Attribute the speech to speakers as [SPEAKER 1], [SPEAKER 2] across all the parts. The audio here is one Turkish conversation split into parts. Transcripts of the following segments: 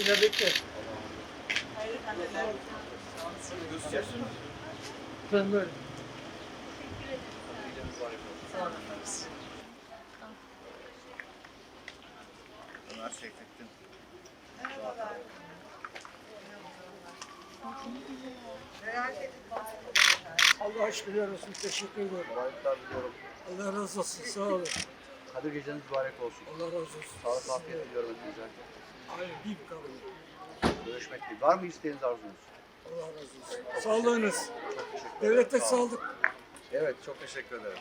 [SPEAKER 1] Yine bekle.
[SPEAKER 2] Hayırlı kandiller.
[SPEAKER 1] Gösteriyorsunuz. Ben böyle.
[SPEAKER 3] Sağ olun. Ömer Seyfettin.
[SPEAKER 2] Merhabalar.
[SPEAKER 1] Allah şükürler olsun. Teşekkür ederim.
[SPEAKER 3] Kolaylıklar diliyorum.
[SPEAKER 1] Allah razı olsun. Sağ olun.
[SPEAKER 3] Kadir geceniz mübarek olsun.
[SPEAKER 1] Allah razı olsun.
[SPEAKER 3] Sağlık afiyet diliyorum hepinize.
[SPEAKER 1] Hayır, bir kalın.
[SPEAKER 3] Görüşmek dileğiyle. Var mı isteğiniz arzunuz?
[SPEAKER 1] Allah razı olsun. Sağlığınız.
[SPEAKER 3] Çok teşekkür ederim.
[SPEAKER 1] Devlette
[SPEAKER 3] Sağ olun.
[SPEAKER 1] sağlık.
[SPEAKER 3] Evet, çok teşekkür ederim.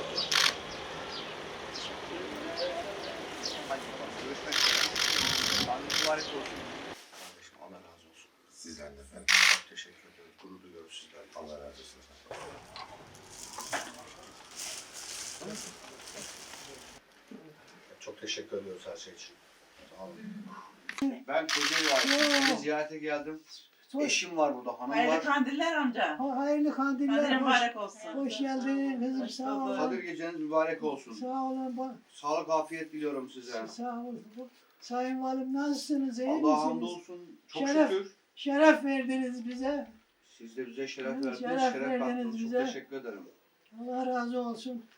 [SPEAKER 3] Hadi bakalım, görüşmek üzere. Sağlık mübarek olsun. Kardeşim Allah razı olsun.
[SPEAKER 4] Sizden de efendim.
[SPEAKER 3] Çok teşekkür ederim. Gurur duyuyoruz sizlerle.
[SPEAKER 4] Allah razı olsun efendim.
[SPEAKER 3] Çok teşekkür ediyoruz her şey için. Sağ olun. Ben Kocaeli ailesine seni ziyarete geldim. Eşim var burada, hanım
[SPEAKER 2] Hayırlı
[SPEAKER 3] var.
[SPEAKER 2] kandiller amca.
[SPEAKER 5] Hayırlı kandiller.
[SPEAKER 2] Kandil mübarek olsun.
[SPEAKER 5] Hoş geldin kızım.
[SPEAKER 2] Hoş
[SPEAKER 5] Sağ
[SPEAKER 2] bulduk.
[SPEAKER 5] olun.
[SPEAKER 3] Kadir geceniz mübarek olsun.
[SPEAKER 5] Sağ olun.
[SPEAKER 3] Sağlık, afiyet diliyorum size.
[SPEAKER 5] Sağ olun. Sayın Valim nasılsınız? İyi
[SPEAKER 3] Allah
[SPEAKER 5] misiniz?
[SPEAKER 3] hamdolsun. Çok
[SPEAKER 5] Şeref.
[SPEAKER 3] şükür.
[SPEAKER 5] Şeref verdiniz bize.
[SPEAKER 3] Siz de bize şeref
[SPEAKER 5] Evet,
[SPEAKER 3] verdiniz,
[SPEAKER 5] şeref
[SPEAKER 3] şeref
[SPEAKER 5] verdiniz
[SPEAKER 3] kattınız. Çok
[SPEAKER 5] bize.
[SPEAKER 3] teşekkür ederim.
[SPEAKER 5] Allah razı olsun.